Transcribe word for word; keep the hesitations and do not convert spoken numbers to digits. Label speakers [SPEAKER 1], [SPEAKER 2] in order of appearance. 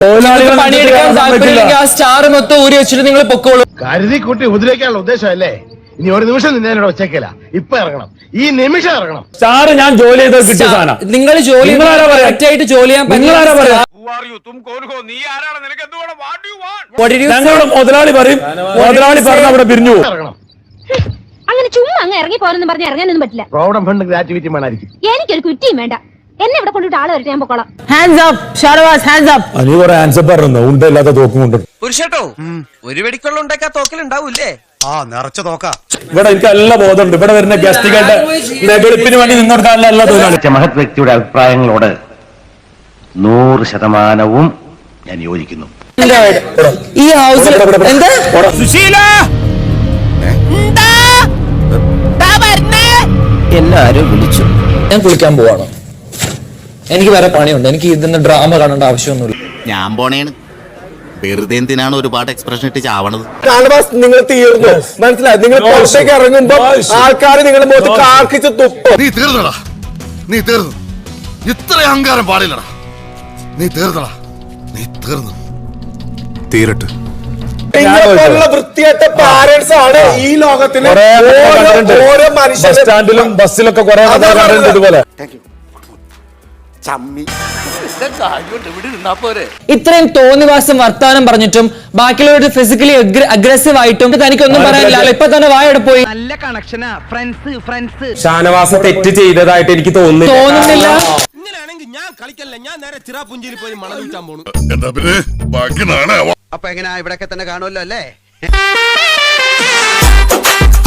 [SPEAKER 1] പണിയെടുക്കാൻ താല്പര്യമില്ലെങ്കിൽ ആ സ്റ്റാർ മൊത്തം ഊരി വെച്ചിട്ട് നിങ്ങൾ പൊക്കോളൂ.
[SPEAKER 2] കരുതി കൂട്ടി ഉപദ്രവിക്കാനുള്ള ഉദ്ദേശം അല്ലേ? ഇനി ഒരു നിമിഷം നിന്നോട് ഒച്ചേക്കല, ഇപ്പൊ ഇറങ്ങണം, ഈ നിമിഷം ഇറങ്ങണം.
[SPEAKER 3] സ്റ്റാർ ഞാൻ ജോലി ചെയ്ത് കിട്ടിയ സാധനം.
[SPEAKER 1] നിങ്ങൾ ജോലി ആയിട്ട് ജോലി ചെയ്യാൻ
[SPEAKER 3] ഞങ്ങളുടെ മുതലാളി പറയും, മുതലാളി പറഞ്ഞ അവിടെ പിരിഞ്ഞു.
[SPEAKER 4] അങ്ങനെ ചുമ്മാ അങ്ങ് ഇറങ്ങി പോരെന്ന് പറഞ്ഞ് ഇറങ്ങാനൊന്നും പറ്റില്ല.
[SPEAKER 2] പ്രോവിഡന്റ് ഫണ്ട് ഗ്രാറ്റുവിറ്റി വേണമായിരിക്കും.
[SPEAKER 4] എനിക്കൊരു കുറ്റിയും വേണ്ട. എന്നെ ഇവിടെ കൊണ്ടിട്ട് ആള് വരട്ടെ, ഞാൻ പൊക്കോളാം.
[SPEAKER 5] Hands up Shanavas, hands up.
[SPEAKER 3] Ani കുറെ ആൻസർ പറഞ്ഞു, ഉണ്ടല്ലാത്ത തോക്കും കൊണ്ട്.
[SPEAKER 6] പുരുഷട്ടോ, ഒരു വെടിക്കൊള്ള ഉണ്ടാക്കാ തോക്കലുണ്ടാവൂല്ലേ?
[SPEAKER 7] ആ നിറച്ച തോക്കാ.
[SPEAKER 3] ഇവിടെ എനിക്ക് എല്ലാ ബോധമുണ്ട്. ഇവിടെ വരുന്ന ഗസ്റ്റുകളുടെ വെളുപ്പിന് വേണ്ടി നിന്നോടുക്കാനുള്ള എല്ലാ തൊഴിലാളി.
[SPEAKER 8] മഹത് വ്യക്തിയുടെ അഭിപ്രായങ്ങളോട് നൂറ് ശതമാനവും ഞാൻ യോജിക്കുന്നു.
[SPEAKER 5] ഈ ഹൗസിൽ
[SPEAKER 1] എല്ലാരും വിളിച്ചു. ഞാൻ കുളിക്കാൻ പോവാണോ? എനിക്ക് വേറെ പണിയുണ്ട്. എനിക്ക് ഇതിന്റെ ഡ്രാമ കാണേണ്ട ആവശ്യമൊന്നുമില്ല.
[SPEAKER 7] ഞാൻ പോണേണ്. വെറുതെ എന്തിനാണ് ഒരുപാട് എക്സ്പ്രഷൻ ഇട്ട് ചാവണത്?
[SPEAKER 9] നിങ്ങൾ തീർന്നു, മനസ്സിലായി? നിങ്ങൾ പുറത്തേക്ക് ഇറങ്ങുമ്പോ ആൾക്കാർ നിങ്ങളുടെ മുഖത്ത് കാർക്കിച്ച് തുപ്പും.
[SPEAKER 7] നീ തീർന്നടാ, നീ തീർന്നു. ഇത്ര അഹങ്കാരം പാടില്ലടാ. നീ തീർന്നടാ, നീ തീർന്നു. തീരട്ട്.
[SPEAKER 9] നിങ്ങളെപ്പോലുള്ള വൃത്തിയായിട്ട പാരന്റ്സ് ആണ് ഈ ലോകത്തിലെ ഓരോ മനുഷ്യരും.
[SPEAKER 3] സ്റ്റാൻഡിലും ബസ്സിലൊക്കെ കുറെ ഇതുപോലെ.
[SPEAKER 1] ഇത്രയും തോന്നിവാസം വർത്താനം പറഞ്ഞിട്ടും ബാക്കിയുള്ളവർ ഫിസിക്കലി അഗ്രസീവ് ആയിട്ടും തനിക്കൊന്നും പറയാനില്ല. ഇപ്പൊ തന്നെ വായടെ പോയി.
[SPEAKER 6] നല്ല കണക്ഷനാ, ഫ്രണ്ട്സ് ഫ്രണ്ട്സ്.
[SPEAKER 9] ഷാനവാസ് തെറ്റ് ചെയ്തതായിട്ട് എനിക്ക് തോന്നുന്നില്ല.
[SPEAKER 1] തോന്നുന്നില്ല.
[SPEAKER 7] ഇങ്ങനെയാണെങ്കിൽ ഞാൻ കളിക്കല്ല, ഞാൻ നേരെ ചിറാപുഞ്ചിയിൽ പോയി മണം വിൽക്കാൻ പോണു. എന്താ പിന്നെ ബാക്കി നാണേ. അപ്പൊ എങ്ങനെയാ, ഇവിടൊക്കെ തന്നെ കാണുമല്ലോ അല്ലേ?